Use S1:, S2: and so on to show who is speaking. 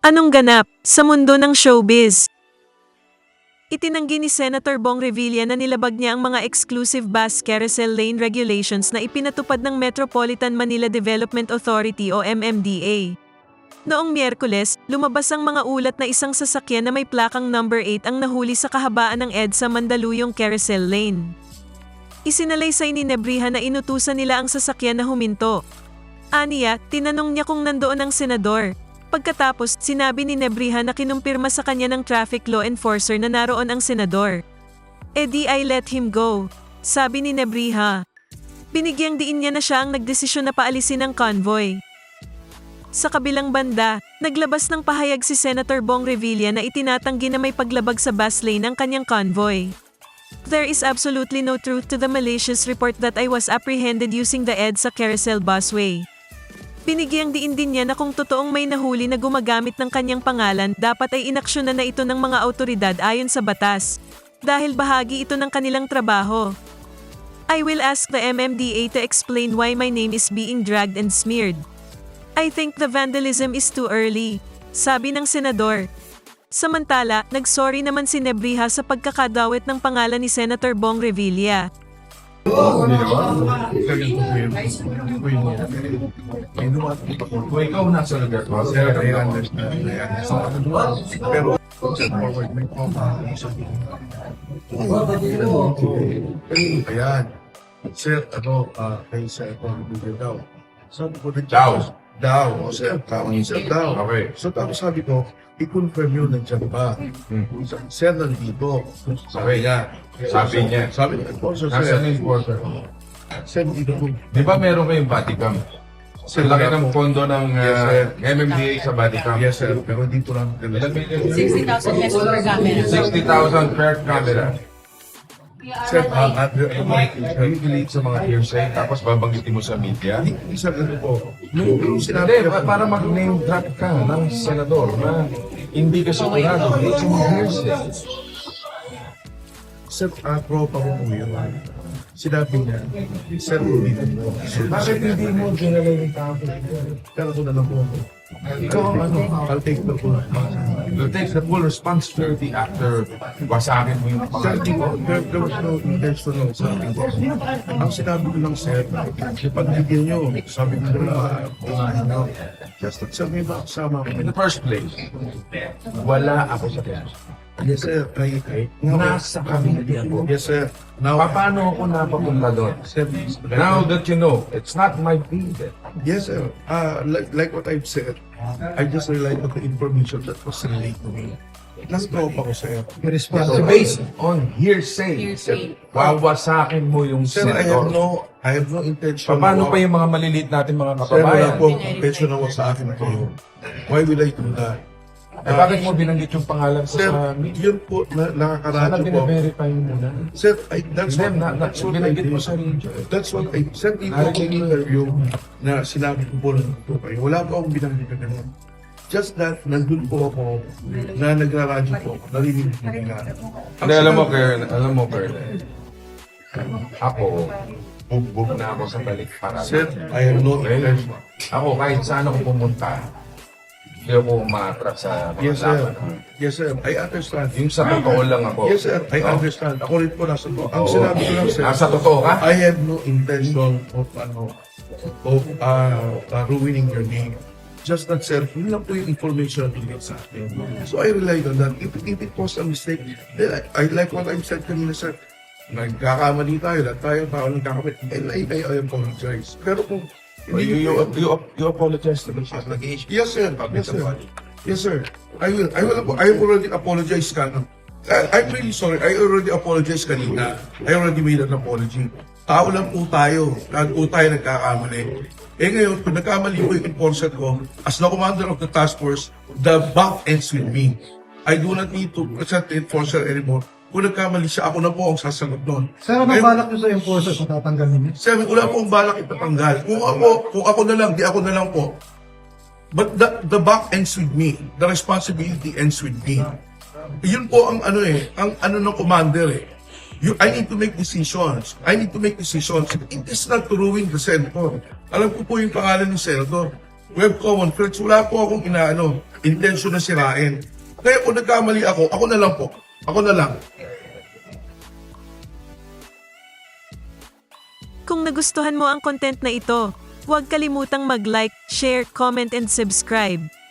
S1: Anong ganap sa mundo ng showbiz? Itinanggi ni Senator Bong Revilla na nilabag niya ang mga exclusive bus carousel lane regulations na ipinatupad ng Metropolitan Manila Development Authority o MMDA. Noong Miyerkules, lumabas ang mga ulat na isang sasakyan na may plakang number 8 ang nahuli sa kahabaan ng EDSA Mandaluyong Carousel Lane. Isinalaysay ni Nebriha na inutusan nila ang sasakyan na huminto. Aniya, tinanong niya kung nandoon ang senador. Pagkatapos, sinabi ni Nebriha na kinumpirma sa kanya ng traffic law enforcer na naroon ang senador. "Di I let him go," sabi ni Nebriha. Binigyang diin niya na siya ang nagdesisyon na paalisin ang convoy. Sa kabilang banda, naglabas ng pahayag si Senator Bong Revilla na itinatanggi na may paglabag sa bus lane ang kanyang convoy. "There is absolutely no truth to the malicious report that I was apprehended using the EDSA Carousel busway." Binigyang diin din niya na kung totoong may nahuli na gumagamit ng kanyang pangalan, dapat ay inaksyonan na ito ng mga awtoridad ayon sa batas, dahil bahagi ito ng kanilang trabaho. "I will ask the MMDA to explain why my name is being dragged and smeared. I think the vandalism is too early," sabi ng senador. Samantala, nagsorry naman si Nebriha sa pagkakadawit ng pangalan ni Senator Bong Revilla.
S2: Kung ikaw nasa lugar ko, sir, I understand. Pero, forward, may ayan. Sir, kay Sir Bong daw. Sabi ko rin daw. O sir, tama sir daw. Okay. So tapos sabi ko, i-confirm yun nandiyan pa. Sir, nandito. Sabi niya. Sabi niya, sir.
S3: Nasaan yung enforcer?
S2: Sir, dito po.
S3: Di ba meron kayong body cam?
S2: Sir,
S3: Laki ng pondo ng MMDA sa body cam.
S2: Yes, sir. Pero dito lang.
S3: Ilan million?
S4: 60,000 pesos per camera.
S3: 60,000 per camera.
S2: Sir,
S3: Relate sa mga hearsay, tapos babanggitin mo sa media.
S2: isa ano po. Nung sinabi
S3: Hindi, para mag-name drop ka ng senador na hindi ka sigurado, hindi sa mga hearsay.
S2: Sir, tropa ko po yun. Sinabi niya, sir, dito po.
S3: Bakit hindi mo dinala yung tao?
S2: Pero ko na lang po.
S3: Ikaw ang
S2: I'll take the full.
S3: You take the full responsibility after wasakin mo yung
S2: Sir,
S3: pangalan mo.
S2: there was no intentional sa akin. Ang sinabi ko lang, sir, pagbigyan nyo, sabi ko na, just that sir, may ba kasama ko?
S3: In the first place, wala ako sa kanya.
S2: Yes, sir.
S3: Nasa committee ako.
S2: Yes, sir. Now,
S3: Paano ako napapunta doon?
S2: sir,
S3: Now that you know, it's not my field.
S2: yes, sir. Like what I've said, I just relied on the information that was relayed to me. Nasa tropa ko, sir.
S3: So based on hearsay,
S4: Hearsay.
S3: wawasakin mo yung
S2: Sir,
S3: senador.
S2: I have no intention.
S3: Paano pa yung mga maliliit natin mga
S2: Sir, wala
S3: kababayan?
S2: po intention na sa akin ito. Why will I do that?
S3: Bakit mo binanggit yung pangalan ko
S2: Sir,
S3: sa media?
S2: yun po,
S3: Sana
S2: nakakaradyo po.
S3: bine-verify mo muna.
S2: Sir, that's
S3: Hindi,
S2: what I
S3: binanggit mo
S2: did.
S3: sa radio.
S2: That's what I said dito ako interview na sinabi ko po lang po kayo. Wala po akong binanggit na ganun. Just that, nandun po ako na nagraradyo po ako. Narinig po nila.
S3: Hindi, alam mo, Colonel. Ako, bugbog na ako sa balik para.
S2: Sir, I have no intention.
S3: Ako, kahit saan ako pumunta, hindi ako umatrak sa mga
S2: Yes, sir.
S3: laban.
S2: Yes, sir. I understand.
S3: Yung sa totoo lang ako.
S2: Yes, sir. I
S3: No?
S2: understand. Ako rin po nasa to. Ang sinabi ko lang, sir,
S3: Nasa totoo ka?
S2: I have no intention of ruining your name. Just that, sir, yun lang po yung information na binigay sa akin. So I relied on that. If it was a mistake, then I like what I said kanina, sir. Nagkakamali tayo, lahat tayo tao nagkakamali. And I apologize. Pero kung hindi
S3: You apologize to me.
S2: yes, sir. Yes, sir. Yes, sir. I will. I have already apologized kanina. I'm really sorry. I already apologized kanina. I already made an apology. Tao lang po tayo. Lahat po tayo nagkakamali. Ngayon, kung nagkamali po yung enforcer ko, as the commander of the task force, the buck ends with me. I do not need to present the enforcer anymore. Kung nagkamali siya, ako na po ang sasagot nun.
S5: Sir, anong balak nyo sa enforcer kung tatanggalin niyo?
S2: Sir, wala pong balak ipatanggal. Kung ako na lang, di ako na lang po. But the buck ends with me. The responsibility ends with me. Yun po ang ang ng commander eh. I need to make decisions. I need to make decisions. It is not to ruin the senator. Alam ko po yung pangalan ng senator. We have common friends. Wala po akong intention na sirain. Kaya kung nagkamali ako na lang po. Ako na lang.
S1: Kung nagustuhan mo ang content na ito, huwag kalimutang mag-like, share, comment and subscribe.